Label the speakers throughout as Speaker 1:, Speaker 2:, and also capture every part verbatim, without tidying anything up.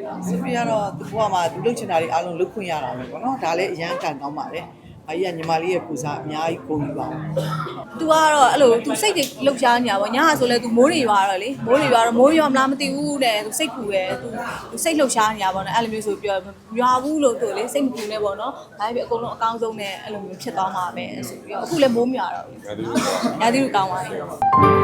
Speaker 1: ဆိုပြီးတော့သူကမှသူလှုပ်ချင်တာတွေအားလုံးလှုပ်ခွင့်ရတာပဲပေါ့နော်ဒါလည်းအရန်ကန်ကောင်းပါတယ်။အကြီးကညီမလေးရဲ့ကိုစားအများကြီးကိုကြီးပါဘူး။
Speaker 2: तू ကတော့အဲ့လို तू စိတ်တွေလှုပ်ရှားနေတာပေါ့ညာဆိုလဲ तू မိုးတွေရွာတော့လေမိုးတွေရွာတော့မိုးရွာမလားမသိဘူးတဲ့ तू စိတ်ပူတယ် तू तू စိတ်လှုပ်ရှားနေတာပေါ့နော်အဲ့လိုမျိုးဆိုပြောရွာဘူးလို့သူလေစိတ်မပူနဲ့ပေါ့နော်ဒါပေမဲ့အကုန်လုံးအကောင်းဆုံးနဲ့အဲ့လိုမျိုးဖြစ်သွားမှာပဲဆိုပြီးတော့အခုလည်းမိုးမရွာတော့ဘူး။ညာတိလူကောင်းပါလေ။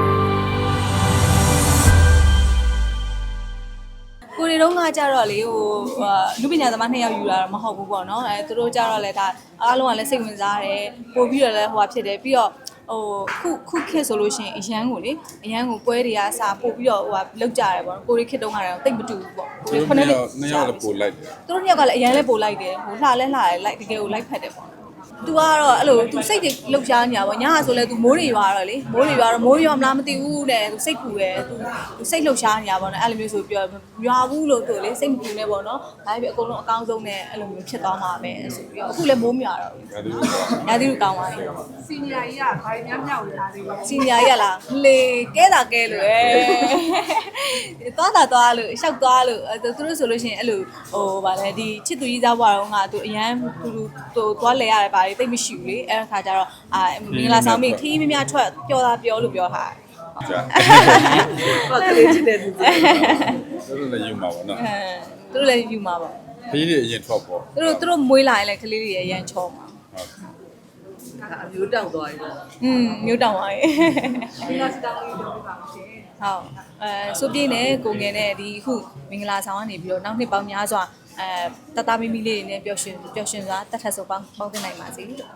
Speaker 2: ကိုရီတော့ကကြတော့လေဟိုလူပညာသမားနှစ်ယောက်ယူလာတော့မဟုတ်ဘူးပေါ့နော်အဲသူတို့ကြတော့လေဒါအားလုံးကလည်းစိတ်ဝင်စားတယ်ပို့ပြီးတော့လည်းဟိုဖြစ်တယ်ပြီးတော့ဟိုခုခုခက်ဆိုလို့ရှိရင်အရန်ကိုလေအရန်ကိုပွဲတွေကစားပို့ပြီးတော့ဟိုလောက်ကြတယ်ပေါ့ကိုရီခက်တုံးကတော့တိတ်မတူဘူးပေါ့ကိုရီခုနှစ်နှစ်ယောက်လည်းပို့လိုက်တယ်သူတို့နှစ်ယောက်ကလည်းအရန်လည်းပို့လိုက်တယ်ဟိုလှလဲလှတယ်လိုက်တကယ်ကိုလိုက်ဖက်တယ်ပေါ့तू ကတော့အဲ့လို तू စိတ်တွေလှုပ်ရှားနေတာပေါ့ညာဆိုလဲ तू မိုးတွေရွာတော့လေမိုးတွေရွာတော့မိုးရွာမလားမသိဘူးတဲ့ तू စိတ်ပူတယ် तू तू စိတ်လှုပ်ရှားနေတာပေါ့နော်အဲ့လိုမျိုးဆိုပြောရွာဘူးလို့သူလေစိတ်မပူနဲ့ပေါ့နော်ဒါပေမဲ့အကုန်လုံးအကောင်းဆုံးနဲ့အဲ့လိုမျိုးဖြစ်သွားမှာပဲဆိုပြီးတော့အခုလည်းမိုးမရွာတော့ဘူးညာတိလူကောင်းပါလေစီနီယာကြီးကဘာများမြောက်လာသေးလဲစီနီယာကြီးကလားလေကဲတာကဲလို့အဲသွားတာသွားလို့ရှောက်သွားလို့သူတို့ဆိုလို့ရှိရင်အဲ့လိုဟိုဗာလဲဒီချစ်သူကြီးသားဘွားတော့က तू အရန်သူသူသွားလဲရတယ်ဗာတိတ်မရှိဘူးလေအဲ့ခါကျတော့အာမင်္ဂလာဆောင်ပြီးခီးမများထွက်ပျော်တာပြောလို့ပြောတာ
Speaker 1: ကြာဟုတ်ကလေးချစ်တယ်သူ
Speaker 3: တို့လည်းယူမှာပေါ့နော်
Speaker 2: သူတို့လည်းယူမှာပေါ့
Speaker 3: ခလေးတွေအရင်ထွက်ပေါ့
Speaker 2: သူတို့သူတို့မွေးလာရင်လည်းခလေးတွေအရင်ချောမှာ
Speaker 1: ဟုတ်အမျိုးတောက်သွားပြီ
Speaker 2: อืมမျိုးတောက်သွားပြီမင်္ဂလာဆောင်လေးပြောပြပါဦးရှင်ဟုတ်အဲဆိုပြင်းနဲ့ကိုငယ်နဲ့ဒီအခုမင်္ဂလာဆောင်ကနေပြီးတော့နောက်နှစ်ပေါင်းများစွာအဲတတမီမီလေးတွေနဲ့ပျော်ရွှင်ပျော်ရွှင်စွာတတ်ထက်ဆိုပေါင်းပေါင်းတင်နိုင်ပါစေလို့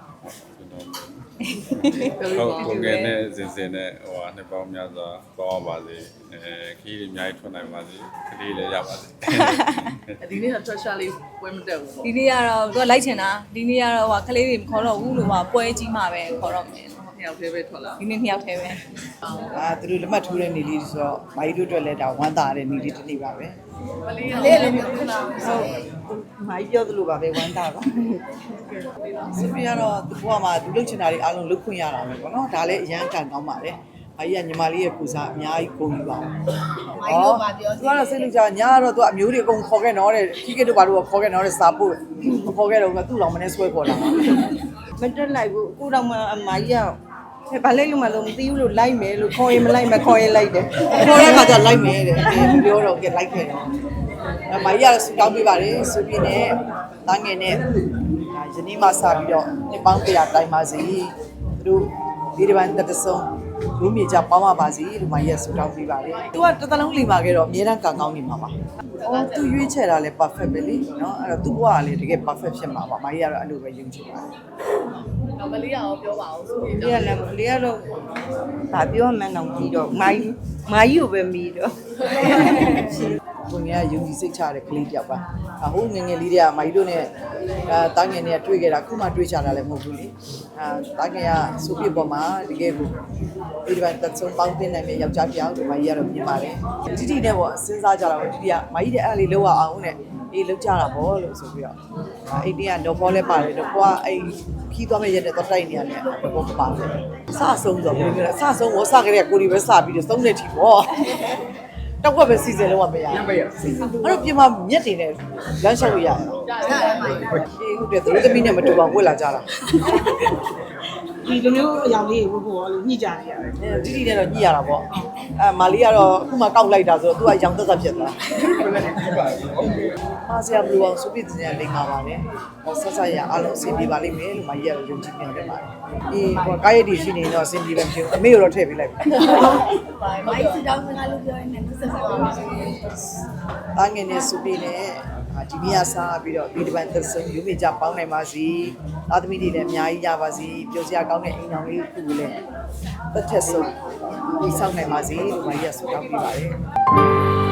Speaker 3: ဟုတ်ကိုငယ်နဲ့စင်စင်နဲ့ဟိုဟာနှစ်ပေါင်းများစွာပေါင်းပါစေအဲခီးတွေအများကြီးထွက်နိုင်ပါစေခလေးလည်းရပါစေ
Speaker 1: ဒီနေ့တော့ treasure လေးပွဲမတက်ဘူးပေါ့
Speaker 2: ဒီနေ့ကတော့သူကလိုက်ချင်တာဒီနေ့ကတော့ဟိုခလေးတွေမခေါ်တော့ဘူးလို့ဟိုပွဲကြီးမှပဲခေါ်တော့မယ်
Speaker 1: နှစ်ယောက်တည်းပဲထွက်လာ
Speaker 2: ဒီနေ့နှစ်ယောက်တည်းပဲ
Speaker 1: အာသူတို့လက်မှတ်ထိုးတဲ့နေလေးဆိုတော့မာကြီးတို့အတွက်လည်းဒါဝမ်းသာတဲ့နေလေးတစ်နေ့ပါပဲ
Speaker 2: မလေးလေးလည်းပြောနေတာ
Speaker 1: ဟုတ်မာကြီးပြောသလိုပါပဲဝမ်းသာပါဆိုပြီးတော့သူကမှသူလှုပ်ချင်တာတွေအားလုံးလှုပ်ခွင့်ရတာပဲပေါ့နော်ဒါလည်းအရန်ကန်ကောင်းပါတယ်အကြီးကညီမလေးရဲ့ကိုစားအများကြီးကိုကြီးပါဘူး။မိုင်းတို့ပါပြောစီ။သူကတော့စိတ်လူကြညာတော့သူအမျိုးတွေအကုန်ခေါ်ခဲ့တော့တဲ့ခီးကတို့ဘာလို့ခေါ်ခဲ့တော့တဲ့စာပို့မခေါ်ခဲ့တော့ကသူ့လောင်မနဲ့ဆွဲခေါ်လာ
Speaker 4: ။မတက်လိုက်ဘူးအခုတော့မှအမကြီးကဘာလိုက်လို့မလို့မသိဘူးလို့လိုက်မယ်လို့ခေါ်ရင်မလိုက်မခေါ်ရင်လိုက်တယ်
Speaker 1: ။ခေါ်တဲ့အခါကျလိုက်မယ်တဲ့။ပြောတော့ကလိုက်ခဲ့တော့အမကြီးကဆူတောင်းပေးပါတယ်ဆိုပြီးနဲ့တားငယ်နဲ့ယနေ့မှစပြီးတော့နှစ်ပေါင်းတရာတိုင်ပါစီသူတို့ဒီဒီပိုင်းတက်ဆုံးလူမြေကြပေါင်းပါပါစီဒီမှာရက်ဆူတောင်းပေးပါတယ်။ तू ကတစ်သလုံးလိမ္မာခဲ့တော့အများတန်းကံကောင်းနေမှာပါ။အော် तू ရွေးချယ်တာလည်း perfect ပဲလေနော်အဲ့တော့ तू ဘဝကလည်းတကယ် perfect ဖြစ်မှာပါ။မကြီးကတော့အဲ့လိုပဲယုံကြည်ပါတယ်
Speaker 2: ။တော့မလေးရောပြောပါအောင်ဆိုပြီး
Speaker 4: လေးကလည်းလေးကတော့ဗာပြောမှန်းတော့ကြည့်တော့မာကြီးမာကြီးကိုပဲမီးတော့
Speaker 1: ကိုငယ်ကယုံကြည်စိတ်ချတဲ့ကလေးတယောက်ပါအဟိုငငယ်လေးတွေကမကြီးတို့နဲ့အဲတားငယ်နဲ့တွေ့ခဲ့တာခုမှတွေ့ချတာလည်းမဟုတ်ဘူးလေအဲတားငယ်ကဆိုပြပေါ်မှာတကယ်ကိုဒီဒီပိုင်းတက်ဆုံးပေါင်းတင်နိုင်တဲ့ယောက်ျားတယောက်ဒီမကြီးကတော့မြင်ပါတယ်တိတိနဲ့ပေါ့စဉ်းစားကြတာပေါ့တိတိကမကြီးတဲ့အဲ့လေးလောက်အောင်နဲ့အေးလောက်ကြတာပေါ့လို့ဆိုပြီးတော့အဲ့ဒီကတော့ဘောလဲပါတယ်တော့ကိုကအဲ့ခီးသွားမဲ့ရက်တဲ့တော့တိုက်နေရတယ်ဘောမပါတယ်စဆုံးဆိုဘယ်လိုလဲစဆုံးဘောစကြတဲ့ကိုဒီပဲစပြီးတော့သုံးနေတီပေါ့တောက်ွက်ပဲစီစဉ်လို့မရဘူးအဲ့တော့ပြင်မှာမြက်တွေနဲ့လမ်းလျှောက်လို့ရတယ်အေးဟုတ်တယ်သူတို့သမီးနဲ့မတူပါဝက်လာကြတာ
Speaker 4: ဒီလိုမျိုးအယောင်လေးဝတ်ဖို့လို့ညှိကြနေရတယ်
Speaker 1: တိတိနဲ့တော့ညှိရတာပေါ့အဲမာလီကတော့အခုမှကောက်လိုက်တာဆိုတော့သူကရောင်သက်သက်ဖြစ်သွားအားစရာမလိုအောင်စုပြည့်တင်ရလိမ့်မှာပါလေဆက်ဆက်ရအားလုံးအဆင်ပြေပါလိမ့်မယ်လို့မကြီးကတော့ယုံကြည်ပြန်တယ်ပါတယ်အေးဟိုကားရည်တည်ရှိနေတော့အဆင်ပြေပဲဖြစ်အမေကိုတော့ထည့်ပေးလိုက်ပြီ
Speaker 2: မိုင်းစတောင်းစကားလို့ပြောရင်လည်းဆက်ဆက်ပါမယ်
Speaker 1: ။တာငယ်နဲ့စုပြည့်နဲ့ဒီနေ့ကစားပြီးတော့ဒီဒီပိုင်းသက်ဆုံးယူမိကြပေါင်းနိုင်ပါစီ။သားသမီးတွေလည်းအများကြီးရပါစီ။ပျော်စရာကောင်းတဲ့အိမ်တော်လေးခုလည်းတစ်ထက်ဆုံးဒီဆောင်နိုင်ပါစီလို့မကြီးကဆုတောင်းပေးပါတယ်။